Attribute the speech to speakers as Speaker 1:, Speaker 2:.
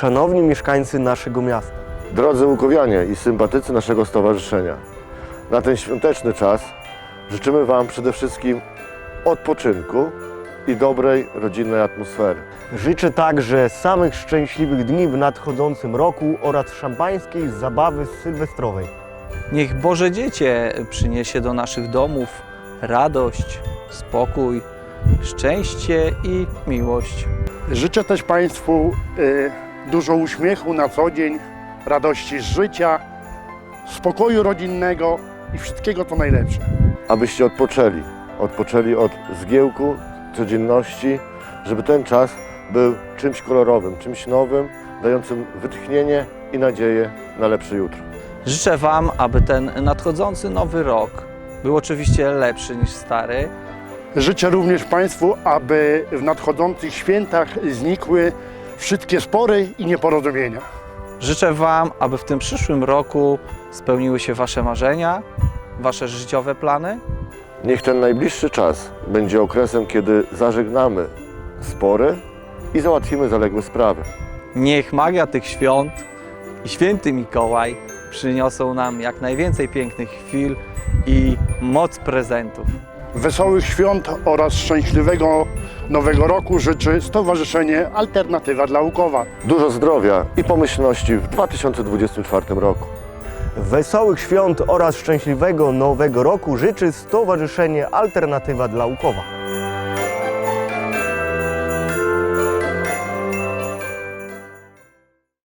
Speaker 1: szanowni mieszkańcy naszego miasta,
Speaker 2: Drodzy łukowianie i sympatycy naszego stowarzyszenia, na ten świąteczny czas życzymy Wam przede wszystkim odpoczynku i dobrej rodzinnej atmosfery.
Speaker 1: życzę także samych szczęśliwych dni w nadchodzącym roku oraz szampańskiej zabawy sylwestrowej.
Speaker 3: Niech Boże Dziecię przyniesie do naszych domów radość, spokój, szczęście i miłość.
Speaker 4: Życzę też Państwu dużo uśmiechu na co dzień, radości z życia, spokoju rodzinnego i wszystkiego co najlepsze.
Speaker 2: Abyście odpoczęli od zgiełku, codzienności, żeby ten czas był czymś kolorowym, czymś nowym, dającym wytchnienie i nadzieję na lepsze jutro.
Speaker 3: Życzę Wam, aby ten nadchodzący nowy rok był oczywiście lepszy niż stary.
Speaker 4: Życzę również Państwu, aby w nadchodzących świętach znikły wszystkie spory i nieporozumienia.
Speaker 3: Życzę Wam, aby w tym przyszłym roku spełniły się Wasze marzenia, Wasze życiowe plany.
Speaker 2: Niech ten najbliższy czas będzie okresem, kiedy zażegnamy spory i załatwimy zaległe sprawy.
Speaker 3: Niech magia tych świąt i święty Mikołaj przyniosą nam jak najwięcej pięknych chwil i moc prezentów.
Speaker 4: Wesołych świąt oraz szczęśliwego Nowego Roku życzy Stowarzyszenie Alternatywa dla Łukowa.
Speaker 2: Dużo zdrowia i pomyślności w 2024 roku.
Speaker 1: Wesołych świąt oraz szczęśliwego nowego roku życzy Stowarzyszenie Alternatywa dla Łukowa.